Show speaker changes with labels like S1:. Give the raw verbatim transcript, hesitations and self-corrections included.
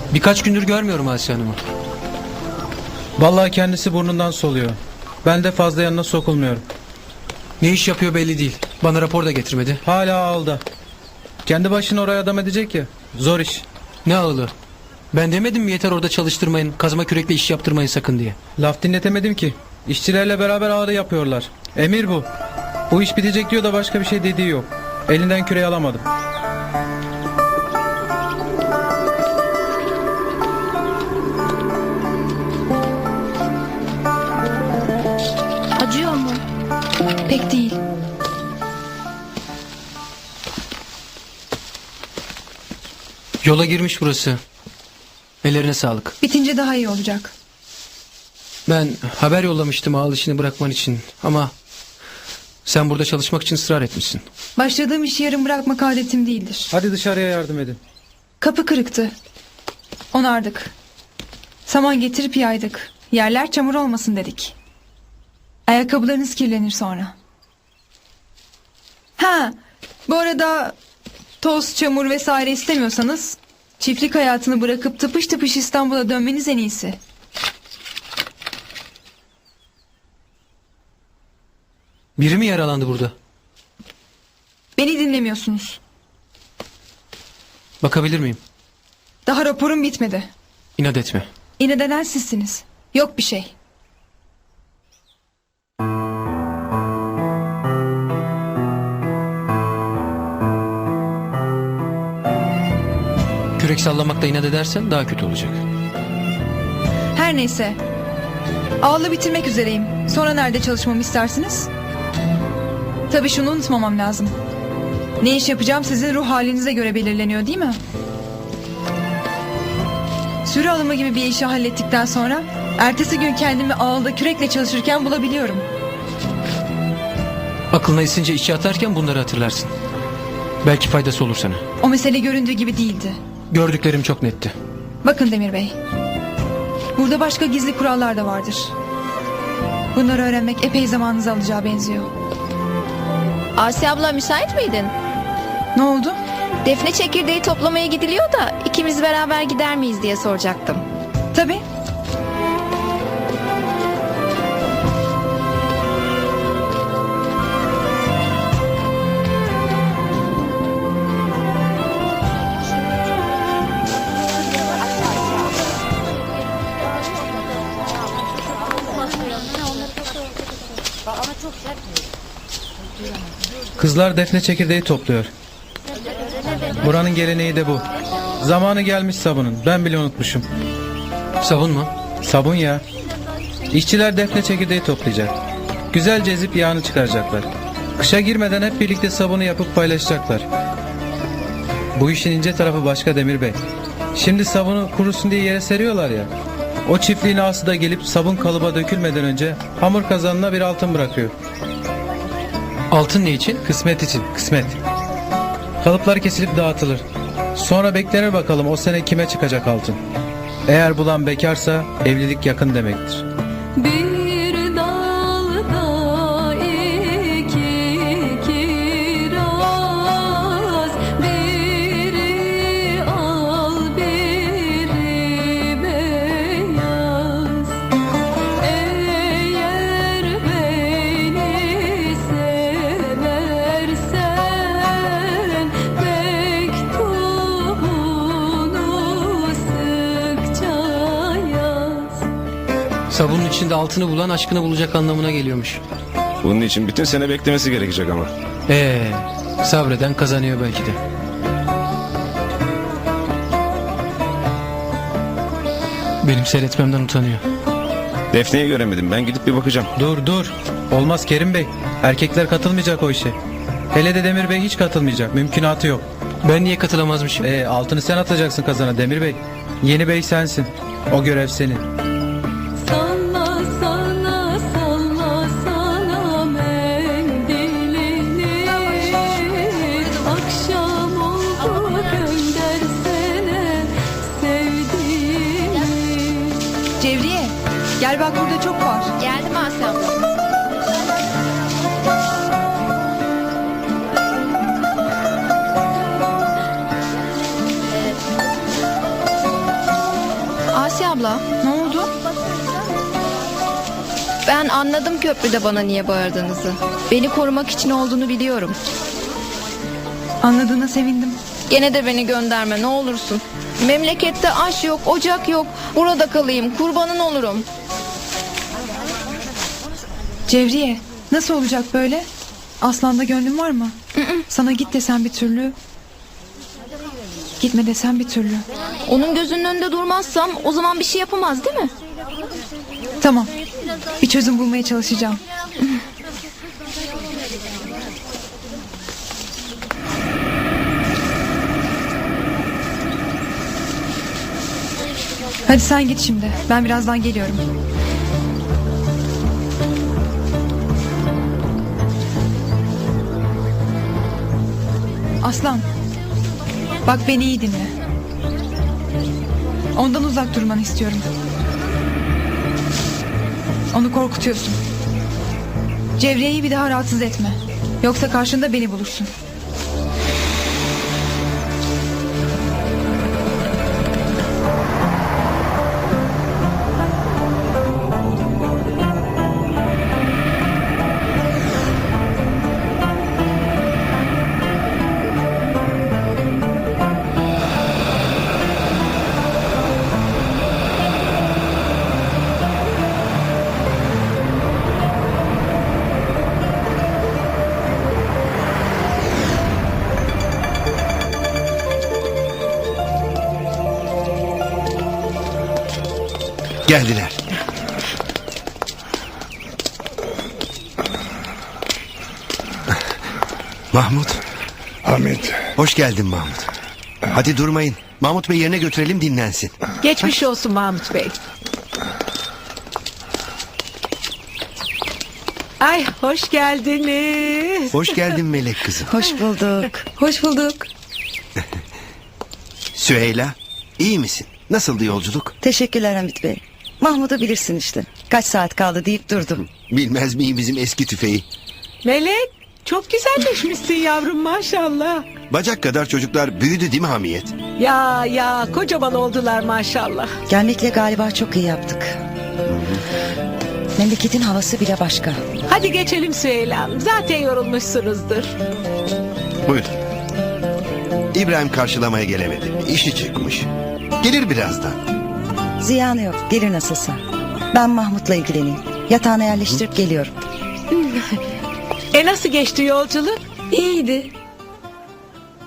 S1: Birkaç gündür görmüyorum Asiye Hanım'ı.
S2: Vallahi kendisi burnundan soluyor. Ben de fazla yanına sokulmuyorum.
S1: Ne iş yapıyor belli değil. Bana rapor da getirmedi.
S2: Hala ağılda. Kendi başına oraya adam edecek ya. Zor iş.
S1: Ne ağılı? Ben demedim mi yeter orada çalıştırmayın, kazma kürekle iş yaptırmayın sakın diye.
S2: Laf dinletemedim ki. İşçilerle beraber ağrı yapıyorlar. Emir bu. Bu iş bitecek diyor da başka bir şey dediği yok. Elinden küreği alamadım.
S3: Acıyor mu? Pek değil.
S1: Yola girmiş burası. Ellerine sağlık.
S3: Bitince daha iyi olacak.
S1: Ben haber yollamıştım ağıl işini bırakman için. Ama sen burada çalışmak için ısrar etmişsin.
S3: Başladığım işi yarım bırakmak adetim değildir.
S2: Hadi dışarıya yardım edin.
S3: Kapı kırıktı. Onardık. Saman getirip yaydık. Yerler çamur olmasın dedik. Ayakkabılarınız kirlenir sonra. Ha, bu arada toz, çamur vesaire istemiyorsanız çiftlik hayatını bırakıp tıpış tıpış İstanbul'a dönmeniz en iyisi.
S1: Biri mi yaralandı burada?
S3: Beni dinlemiyorsunuz.
S1: Bakabilir miyim?
S3: Daha raporum bitmedi.
S1: İnat etme.
S3: İnat eden sizsiniz. Yok bir şey.
S1: Kürek sallamakta inat edersen daha kötü olacak.
S3: Her neyse. Ağlı bitirmek üzereyim. Sonra nerede çalışmamı istersiniz? Tabii şunu unutmamam lazım. Ne iş yapacağım sizin ruh halinize göre belirleniyor değil mi? Sürü alımı gibi bir işi hallettikten sonra ertesi gün kendimi ağılda kürekle çalışırken bulabiliyorum.
S1: Aklına esince içe atarken bunları hatırlarsın. Belki faydası olur sana.
S3: O mesele göründüğü gibi değildi.
S1: Gördüklerim çok netti.
S3: Bakın Demir Bey. Burada başka gizli kurallar da vardır. Bunları öğrenmek epey zamanınızı alacağı benziyor.
S4: Asiye abla müsait miydin?
S3: Ne oldu?
S4: Defne çekirdeği toplamaya gidiliyor da ikimiz beraber gider miyiz diye soracaktım.
S3: Tabii.
S2: Kızlar defne çekirdeği topluyor. Buranın geleneği de bu. Zamanı gelmiş sabunun. Ben bile unutmuşum.
S1: Sabun mu?
S2: Sabun ya. İşçiler defne çekirdeği toplayacak. Güzelce ezip yağını çıkaracaklar. Kışa girmeden hep birlikte sabunu yapıp paylaşacaklar. Bu işin ince tarafı başka Demir Bey. Şimdi sabunu kurusun diye yere seriyorlar ya. O çiftliğin ağası da gelip sabun kalıba dökülmeden önce hamur kazanına bir altın bırakıyor.
S1: Altın ne için?
S2: Kısmet için, kısmet. Kalıplar kesilip dağıtılır. Sonra beklenir bakalım o sene kime çıkacak altın. Eğer bulan bekarsa evlilik yakın demektir.
S5: Bir dalda iki kiraz, biri al biri beyaz. Eğer beni seversen mektubunu sıkça yaz.
S1: Sabunun içinde altını bulan aşkını bulacak anlamına geliyormuş.
S6: Bunun için bütün sene beklemesi gerekecek ama.
S1: Ee, sabreden kazanıyor belki de. Benim seyretmemden utanıyor.
S6: Defne'yi göremedim. Ben gidip bir bakacağım.
S2: Dur dur. Olmaz Kerim Bey. Erkekler katılmayacak o işe. Hele de Demir Bey hiç katılmayacak. Mümkünatı yok.
S1: Ben niye katılamazmışım?
S2: Ee, altını sen atacaksın kazana Demir Bey. Yeni bey sensin. O görev senin.
S5: Salla sana salla sana mendilini, akşam oldu göndersene sevdiğimi.
S3: Cevriye, gel bak burada çok var.
S4: Geldim Asiye abla. Asiye abla,
S3: Ne oldu?
S4: ben anladım köprüde bana niye bağırdığınızı. Beni korumak için olduğunu biliyorum.
S3: Anladığına sevindim.
S4: Gene de beni gönderme ne olursun. Memlekette aş yok, ocak yok. Burada kalayım, kurbanın olurum.
S3: Cevriye, nasıl olacak böyle? Aslan'da gönlün var mı? Sana git desem bir türlü. Gitme desem bir türlü.
S4: Onun gözünün önünde durmazsam o zaman bir şey yapamaz değil mi?
S3: Tamam. Bir çözüm bulmaya çalışacağım. Hadi sen git şimdi. Ben birazdan geliyorum. Aslan. Bak beni iyi dinle. Ondan uzak durmanı istiyorum. Onu korkutuyorsun. Cevriye'yi bir daha rahatsız etme. Yoksa karşında beni bulursun.
S7: Geldiler. Mahmut,
S8: Hamit,
S7: hoş geldin Mahmut. Hadi durmayın. Mahmut Bey yerine götürelim dinlensin.
S9: Geçmiş olsun Mahmut Bey. Ay hoş geldiniz.
S7: Hoş geldin Melek kızım.
S3: Hoş bulduk. Hoş bulduk.
S7: Süheyla, iyi misin? Nasıldı yolculuk?
S10: Teşekkürler Hamit Bey. Mahmut'u bilirsin işte. Kaç saat kaldı deyip durdum.
S7: Bilmez miyim bizim eski tüfeği?
S9: Melek çok güzelleşmişsin yavrum maşallah.
S7: Bacak kadar çocuklar büyüdü değil mi Hamiyet?
S9: Ya ya kocaman oldular maşallah.
S10: Gelmekle galiba çok iyi yaptık. Memleketin havası bile başka.
S9: Hadi geçelim Süheyla Hanım. Zaten yorulmuşsunuzdur.
S7: Buyurun. İbrahim karşılamaya gelemedi. İşi çıkmış. Gelir birazdan.
S10: Ziyanı yok. Gelir nasılsa. Ben Mahmut'la ilgileneyim. Yatağına yerleştirip geliyorum.
S9: E nasıl geçti yolculuk?
S3: İyiydi.